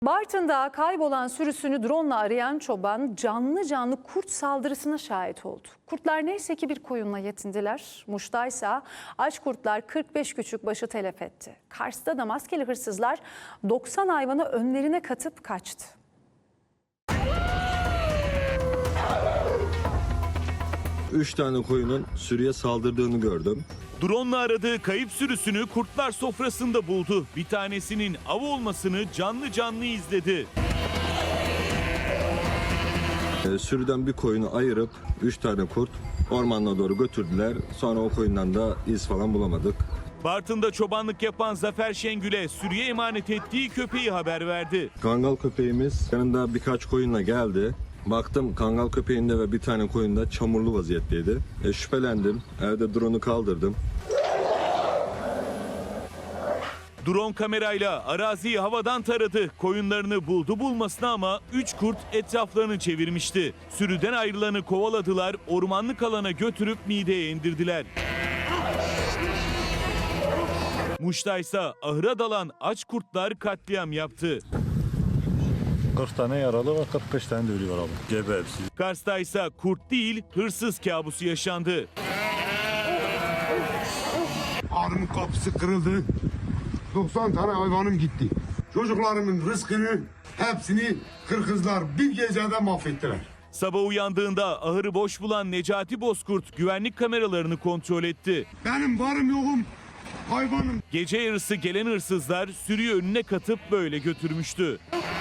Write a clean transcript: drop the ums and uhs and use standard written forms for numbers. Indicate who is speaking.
Speaker 1: Bartın'da kaybolan sürüsünü drone'la arayan çoban canlı canlı kurt saldırısına şahit oldu. Kurtlar neyse ki bir koyunla yetindiler. Muş'taysa aç kurtlar 45 küçükbaşı telef etti. Kars'ta da maskeli hırsızlar 90 hayvanı önlerine katıp kaçtı.
Speaker 2: Üç tane koyunun sürüye saldırdığını gördüm.
Speaker 3: Drone'la aradığı kayıp sürüsünü kurtlar sofrasında buldu. Bir tanesinin av olmasını canlı canlı izledi.
Speaker 2: Sürüden bir koyunu ayırıp 3 tane kurt ormanına doğru götürdüler. Sonra o koyundan da iz falan bulamadık.
Speaker 3: Bartın'da çobanlık yapan Zafer Şengül'e sürüye emanet ettiği köpeği haber verdi.
Speaker 2: Kangal köpeğimiz yanında birkaç koyunla geldi. Baktım kangal köpeğinde ve bir tane koyunda çamurlu vaziyetteydi. Şüphelendim. Evde drone'u kaldırdım.
Speaker 3: Drone kamerayla araziyi havadan taradı. Koyunlarını buldu bulmasına ama 3 kurt etraflarını çevirmişti. Sürüden ayrılanı kovaladılar, ormanlık alana götürüp mideye indirdiler. Muş'taysa ahıra dalan aç kurtlar katliam yaptı.
Speaker 4: 40 tane yaralı ve 45 tane de ölü var abi. Gebe hepsi.
Speaker 3: Kars'taysa kurt değil hırsız kabusu yaşandı.
Speaker 5: Ağrımın kapısı kırıldı. 90 tane hayvanım gitti. Çocuklarımın rızkını hepsini Kırgızlar bir gecede mahvettiler.
Speaker 3: Sabah uyandığında ahırı boş bulan Necati Bozkurt güvenlik kameralarını kontrol etti.
Speaker 5: Benim varım yokum hayvanım.
Speaker 3: Gece yarısı gelen hırsızlar sürüyü önüne katıp böyle götürmüştü.